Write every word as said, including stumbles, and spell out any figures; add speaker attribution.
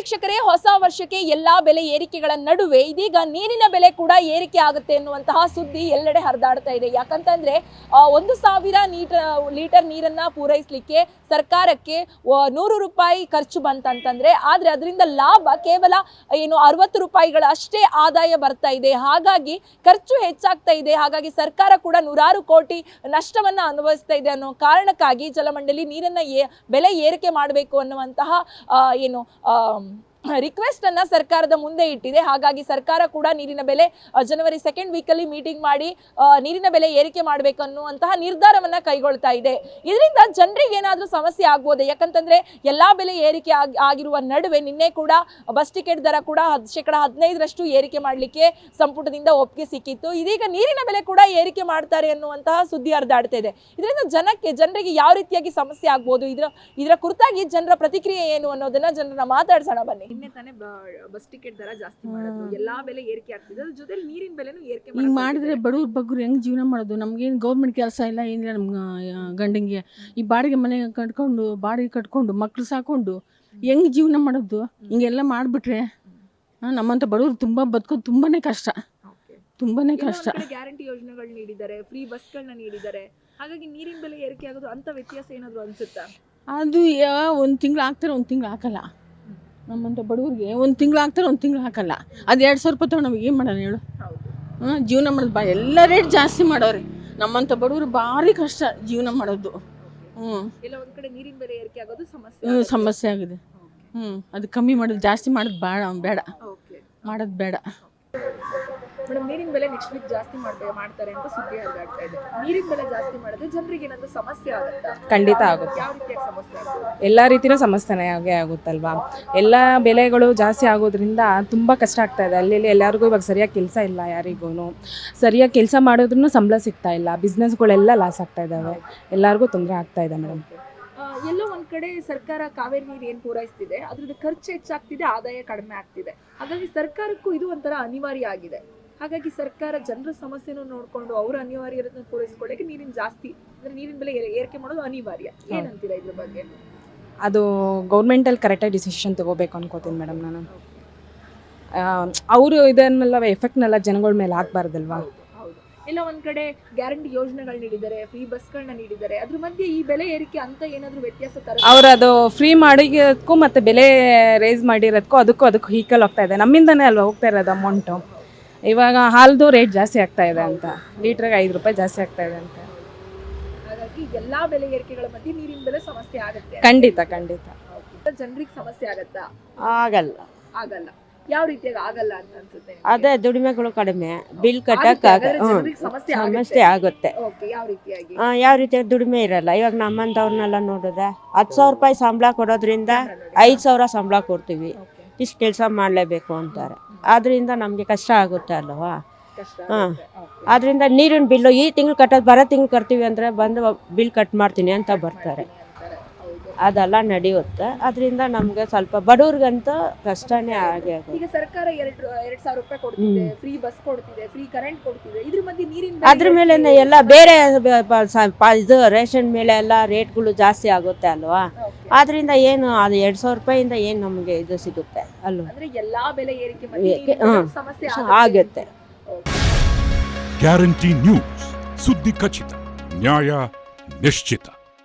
Speaker 1: ವೀಕ್ಷಕರೇ, ಹೊಸ ವರ್ಷಕ್ಕೆ ಎಲ್ಲಾ ಬೆಲೆ ಏರಿಕೆಗಳ ನಡುವೆ ಇದೀಗ ನೀರಿನ ಬೆಲೆ ಕೂಡ ಏರಿಕೆ ಆಗುತ್ತೆ ಎನ್ನುವಂತಹ ಸುದ್ದಿ ಎಲ್ಲೆಡೆ ಹರಿದಾಡ್ತಾ ಇದೆ. ಯಾಕಂತಂದ್ರೆ ಒಂದು ಸಾವಿರ ಲೀಟರ್ ನೀರನ್ನ ಪೂರೈಸಲಿಕ್ಕೆ ಸರ್ಕಾರಕ್ಕೆ ನೂರು ರೂಪಾಯಿ ಖರ್ಚು ಬಂತಂತಂದ್ರೆ, ಆದ್ರೆ ಅದರಿಂದ ಲಾಭ ಕೇವಲ ಏನು ಅರವತ್ತು ರೂಪಾಯಿಗಳ ಅಷ್ಟೇ ಆದಾಯ ಬರ್ತಾ ಇದೆ. ಹಾಗಾಗಿ ಖರ್ಚು ಹೆಚ್ಚಾಗ್ತಾ ಇದೆ. ಹಾಗಾಗಿ ಸರ್ಕಾರ ಕೂಡ ನೂರಾರು ಕೋಟಿ ನಷ್ಟವನ್ನ ಅನುಭವಿಸ್ತಾ ಇದೆ ಅನ್ನೋ ಕಾರಣಕ್ಕಾಗಿ ಜಲಮಂಡಳಿ ನೀರನ್ನ ಬೆಲೆ ಏರಿಕೆ ಮಾಡಬೇಕು ಅನ್ನುವಂತಹ ಏನು ರಿಕ್ವೆಸ್ಟ್ ಅನ್ನ ಸರ್ಕಾರದ ಮುಂದೆ ಇಟ್ಟಿದೆ. ಹಾಗಾಗಿ ಸರ್ಕಾರ ಕೂಡ ನೀರಿನ ಬೆಲೆ ಜನವರಿ ಸೆಕೆಂಡ್ ವೀಕ್ ಅಲ್ಲಿ ಮೀಟಿಂಗ್ ಮಾಡಿ ನೀರಿನ ಬೆಲೆ ಏರಿಕೆ ಮಾಡಬೇಕು ಅನ್ನುವಂತಹ ನಿರ್ಧಾರವನ್ನ ಕೈಗೊಳ್ತಾ ಇದೆ. ಇದರಿಂದ ಜನರಿಗೆ ಏನಾದ್ರೂ ಸಮಸ್ಯೆ ಆಗ್ಬೋದೇ? ಯಾಕಂತಂದ್ರೆ ಎಲ್ಲಾ ಬೆಲೆ ಏರಿಕೆ ಆಗಿರುವ ನಡುವೆ ನಿನ್ನೆ ಕೂಡ ಬಸ್ ಟಿಕೆಟ್ ದರ ಕೂಡ ಶೇಕಡ ಹದಿನೈದರಷ್ಟು ಏರಿಕೆ ಮಾಡಲಿಕ್ಕೆ ಸಂಪುಟದಿಂದ ಒಪ್ಪಿಗೆ ಸಿಕ್ಕಿತ್ತು. ಇದೀಗ ನೀರಿನ ಬೆಲೆ ಕೂಡ ಏರಿಕೆ ಮಾಡ್ತಾರೆ ಅನ್ನುವಂತಹ ಸುದ್ದಿ ಹರಿದಾಡ್ತಾ ಇದೆ. ಇದರಿಂದ ಜನಕ್ಕೆ ಜನರಿಗೆ ಯಾವ ರೀತಿಯಾಗಿ ಸಮಸ್ಯೆ ಆಗ್ಬೋದು, ಇದರ ಇದರ ಕುರಿತಾಗಿ ಜನರ ಪ್ರತಿಕ್ರಿಯೆ ಏನು ಅನ್ನೋದನ್ನ ಜನರನ್ನ ಮಾತಾಡ್ಸೋಣ ಬನ್ನಿ. ನಿನ್ನೆ ತಾನೇ ಬಸ್ ಟಿಕೆಟ್ ದರ ಜಾಸ್ತಿ ಮಾಡಿದ್ರು, ಎಲ್ಲಾ ಬೆಲೆ ಏರಿಕೆ ಆಗ್ತಿದೆ, ಅದ್ರ ಜೊತೆ ನೀರಿನ ಬೆಲೆನೂ ಏರಿಕೆ
Speaker 2: ಹಿಂಗ್ ಮಾಡಿದ್ರೆ ಬಡವ್ರ ಬಗ್ಗರು ಹೆಂಗ್ ಜೀವನ ಮಾಡೋದು? ನಮ್ಗೇನು ಗೌರ್ಮೆಂಟ್ ಕೆಲಸ ಇಲ್ಲ, ಏನಿಲ್ಲ ನಮ್ಗೆ ಗಂಡಂಗೆ. ಈ ಬಾಡಿಗೆ ಮನೆ ಕಟ್ಕೊಂಡು ಬಾಡಿಗೆ ಕಟ್ಕೊಂಡು ಮಕ್ಳು ಸಾಕೊಂಡು ಹೆಂಗ್ ಜೀವನ ಮಾಡೋದು? ಹಿಂಗೆಲ್ಲ ಮಾಡಿಬಿಟ್ರೆ ನಮ್ಮಂತ ಬಡವ್ರು ತುಂಬಾ ಬದುಕೋದು ತುಂಬಾನೇ ಕಷ್ಟ, ತುಂಬಾನೇ ಕಷ್ಟ.
Speaker 1: ಗ್ಯಾರಂಟಿ ಯೋಜನೆಗಳು ನೀಡಿದ್ದಾರೆ, ಫ್ರೀ ಬಸ್ಗಳನ್ನ ನೀಡಿದ್ದಾರೆ, ಹಾಗಾಗಿ ನೀರಿನ ಬೆಲೆ ಏರಿಕೆ ಆಗೋದು ಅಂತ ವ್ಯತ್ಯಾಸ ಏನಾದ್ರು ಅನ್ಸುತ್ತಾ?
Speaker 2: ಅದು ಒಂದು ತಿಂಗಳು ಹಾಕ್ತಾರೆ, ಒಂದು ತಿಂಗಳು ಹಾಕಲ್ಲ. ನಮ್ಮಂತ ಬಡವ್ರಿಗೆ ಒಂದು ತಿಂಗಳು ಹಾಕ್ತಾರೆ, ಒಂದು ತಿಂಗಳು ಹಾಕಲ್ಲ. ಅದು ಎರಡು ಸಾವಿರ ರೂಪಾಯಿ ತಗೊಂಡು ನಮಗೆ ಏನು ಮಾಡೋಣ ಹೇಳು? ಹಾಂ, ಜೀವನ ಮಾಡೋದು ಬಾ ಎಲ್ಲ ರೇಟ್ ಜಾಸ್ತಿ ಮಾಡೋರಿ. ನಮ್ಮಂತ ಬಡವರು ಭಾರಿ ಕಷ್ಟ ಜೀವನ ಮಾಡೋದು. ಹ್ಞೂ,
Speaker 1: ಎಲ್ಲ ಒಂದು ಕಡೆ ನೀರಿನ ಬೆಲೆ ಏರಿಕೆ ಆಗೋದು ಸಮಸ್ಯೆ.
Speaker 2: ಹ್ಞೂ, ಸಮಸ್ಯೆ ಆಗಿದೆ. ಹ್ಞೂ, ಅದು ಕಮ್ಮಿ ಮಾಡೋದು, ಜಾಸ್ತಿ ಮಾಡೋದು ಬೇಡ ಬೇಡ ಮಾಡೋದು ಬೇಡ.
Speaker 1: ಮೇಡಮ್, ನೀರಿನ ಬೆಲೆ ನೆಕ್ಸ್ಟ್ ವೀಕ್ ಜಾಸ್ತಿ ಮಾಡ್ತಾರೆ ಮಾಡ್ತಾರೆ ಅಂತ ಸುದ್ದಿ ಹರಿದಾಡ್ತಾ ಇದೆ. ನೀರಿನ ಬೆಲೆ ಜಾಸ್ತಿ ಮಾಡಿದ್ರೆ ಜನರಿಗೆ ಏನಾದ್ರು ಸಮಸ್ಯೆ ಆಗುತ್ತಾ?
Speaker 3: ಖಂಡಿತ ಆಗುತ್ತೆ.
Speaker 1: ಯಾವ ರೀತಿಯ ಸಮಸ್ಯೆ ಆಗುತ್ತೆ?
Speaker 3: ಎಲ್ಲ ರೀತಿಯೂ ಸಮಸ್ಯೆನೇ ಆಗೇ ಆಗುತ್ತಲ್ವಾ. ಎಲ್ಲ ಬೆಲೆಗಳು ಜಾಸ್ತಿ ಆಗೋದ್ರಿಂದ ತುಂಬ ಕಷ್ಟ ಆಗ್ತಾ ಇದೆ. ಅಲ್ಲಿ ಎಲ್ಲರಿಗೂ ಇವಾಗ ಸರಿಯಾಗಿ ಕೆಲಸ ಇಲ್ಲ, ಯಾರಿಗೂ ಸರಿಯಾಗಿ ಕೆಲಸ ಮಾಡೋದ್ರೂ ಸಂಬಳ ಸಿಗ್ತಾ ಇಲ್ಲ, ಬಿಸ್ನೆಸ್ಗಳೆಲ್ಲ ಲಾಸ್ ಆಗ್ತಾ ಇದ್ದಾವೆ, ಎಲ್ಲರಿಗೂ ತೊಂದರೆ ಆಗ್ತಾ ಇದೆ ಮೇಡಮ್.
Speaker 1: ಎಲ್ಲೋ ಒಂದ್ ಕಡೆ ಸರ್ಕಾರ ಕಾವೇರಿ ನೀರು ಏನ್ ಪೂರೈಸ್ತಿದೆ ಅದ್ರದ್ದು ಖರ್ಚು ಹೆಚ್ಚಾಗ್ತಿದೆ, ಆದಾಯ ಕಡಿಮೆ ಆಗ್ತಿದೆ. ಹಾಗಾಗಿ ಸರ್ಕಾರಕ್ಕೂ ಇದು ಒಂಥರ ಅನಿವಾರ್ಯ ಆಗಿದೆ. ಹಾಗಾಗಿ ಸರ್ಕಾರ ಜನರ ಸಮಸ್ಯೆನೂ ನೋಡ್ಕೊಂಡು ಅವರ ಅನಿವಾರ್ಯತೆಯನ್ನು ಪೂರೈಸ್ಕೊಳ್ಳಕ್ಕೆ ನೀರಿನ ಜಾಸ್ತಿ ಅಂದ್ರೆ ನೀರಿನ ಬೆಲೆ ಏರಿಕೆ ಮಾಡೋದು ಅನಿವಾರ್ಯ. ಏನಂತೀರಾ ಇದ್ರ ಬಗ್ಗೆ?
Speaker 3: ಅದು ಗೌರ್ಮೆಂಟಲ್ಲಿ ಕರೆಕ್ಟಾಗಿ ಡಿಸಿಷನ್ ತಗೋಬೇಕು ಅನ್ಕೋತೀನಿ ಮೇಡಮ್ ನಾನು. ಅವರು ಇದನ್ನೆಲ್ಲ ಎಫೆಕ್ಟ್ನೆಲ್ಲ ಜನಗಳ ಮೇಲೆ ಹಾಕ್ಬಾರ್ದಲ್ವಾ.
Speaker 1: ಇಲ್ಲ ಒಂದ್ ಕಡೆ ಗ್ಯಾರಂಟಿ ಯೋಜನೆಗಳು ನೀಡಿದ್ದಾರೆ, ಫ್ರೀ ಬಸ್ಗಳನ್ನ ನೀಡಿದ್ದಾರೆ, ಅದ್ರ ಮಧ್ಯೆ ಈ ಬೆಲೆ ಏರಿಕೆ ಅಂತ ಏನಾದ್ರು ವ್ಯತ್ಯಾಸ ತರ?
Speaker 3: ಅವ್ರು ಅದು ಫ್ರೀ ಮಾಡಿರೋದಕ್ಕೂ ಮತ್ತೆ ಬೆಲೆ ರೇಸ್ ಮಾಡಿರೋದಕ್ಕೂ ಅದಕ್ಕೂ ಅದಕ್ಕೂ ಈಕ್ವಲ್ ಹೋಗ್ತಾ ಇದೆ. ನಮ್ಮಿಂದನೇ ಅಲ್ವಾ ಹೋಗ್ತಾ ಇರೋದು ಅಮೌಂಟು. ಇವಾಗ ಹಾಲ್ದು ರೇಟ್ ಜಾಸ್ತಿ ಆಗ್ತಾ ಇದೆ ಅಂತ, ಲೀಟ್ರಿಗೆ ಐದು ರೂಪಾಯಿ ಜಾಸ್ತಿ ಆಗ್ತಾ ಇದೆ ಅಂತ.
Speaker 1: ಹಾಗಾಗಿ ಎಲ್ಲಾ ಬೆಲೆ ಏರಿಕೆಗಳ ಮಧ್ಯೆ ನೀರಿನ ಬೆಲೆ ಸಮಸ್ಯೆ ಆಗುತ್ತೆ.
Speaker 3: ಖಂಡಿತ ಖಂಡಿತ.
Speaker 1: ಜನರಿಗೆ ಸಮಸ್ಯೆ ಆಗತ್ತಾ?
Speaker 4: ಆಗಲ್ಲ.
Speaker 1: ಆಗಲ್ಲ. ಯಾವ ರೀತಿಯಾಗಿ ಆಗಲ್ಲ ಅಂತ ಅನ್ಸುತ್ತೆ?
Speaker 4: ಅದೇ ದುಡಿಮೆಗಳು ಕಡಿಮೆ, ಬಿಲ್ ಕಟ್ಟಕ್ ಸಮಸ್ಯೆ ಆಗುತ್ತೆ.
Speaker 1: ಯಾವ ರೀತಿಯಾಗಿ?
Speaker 4: ಯಾವ ರೀತಿಯಾಗಿ ದುಡಿಮೆ ಇರಲ್ಲ. ಇವಾಗ ನಮ್ಮಂತವ್ರನ್ನೆಲ್ಲ ನೋಡಿದ್ರೆ ಹತ್ತು ಸಾವಿರ ರೂಪಾಯಿ ಸಂಬಳ ಕೊಡೋದ್ರಿಂದ ಐದು ಸಾವಿರ ಸಂಬಳ ಕೊಡ್ತೀವಿ, ಇಷ್ಟು ಕೆಲಸ ಮಾಡಲೇಬೇಕು ಅಂತಾರೆ. ಆದ್ರಿಂದ ನಮಗೆ ಕಷ್ಟ ಆಗುತ್ತೆ ಅಲ್ವಾ. ಹಾಂ, ಆದ್ರಿಂದ ನೀರಿನ ಬಿಲ್ಲು ಈ ತಿಂಗಳು ಕಟ್ಟೋದು ಬರೋ ತಿಂಗಳು ಕಟ್ತೀವಿ ಅಂದರೆ ಬಂದು ಬಿಲ್ ಕಟ್ ಮಾಡ್ತೀನಿ ಅಂತ ಬರ್ತಾರೆ. ಅದೆಲ್ಲ ನಡೆಯುತ್ತೆ. ಅದರಿಂದ ನಮಗೆ ಸ್ವಲ್ಪ ಬಡವ್ರಿಗಂತೂ ಕಷ್ಟನೇ ಆಗೇ ಆಗುತ್ತೆ.
Speaker 1: ಈಗ ಸರ್ಕಾರ ಎರಡು ಎರಡು ಸಾವಿರ ರೂಪಾಯಿ ಕೊಡ್ತಿದೆ, ಫ್ರೀ ಬಸ್ ಕೊಡ್ತಿದೆ, ಫ್ರೀ ಕರೆಂಟ್ ಕೊಡ್ತಿದೆ, ಇದ್ರ ಮಧ್ಯೆ ನೀರಿನ
Speaker 4: ಅದ್ರ ಮೇಲೆ ಎಲ್ಲ ಬೇರೆ ಇದು ರೇಷನ್ ಮೇಲೆ ಎಲ್ಲ ರೇಟ್ಗಳು ಜಾಸ್ತಿ ಆಗುತ್ತೆ ಅಲ್ವಾ. ಆದ್ರಿಂದ ಏನು ಅದು ಎರಡು ಸಾವಿರ ರೂಪಾಯಿಂದ ಏನು ನಮಗೆ ಇದು ಸಿಗುತ್ತೆ ಅಲ್ವಾ.
Speaker 1: ಅಂದ್ರೆ ಎಲ್ಲಾ ಬೆಲೆ ಏರಿಕೆ ಸಮಸ್ಯೆ
Speaker 4: ಆಗುತ್ತೆ.
Speaker 5: ಗ್ಯಾರಂಟಿ ನ್ಯೂಸ್, ಸುದ್ದಿ ಖಚಿತ, ನ್ಯಾಯ ನಿಶ್ಚಿತ.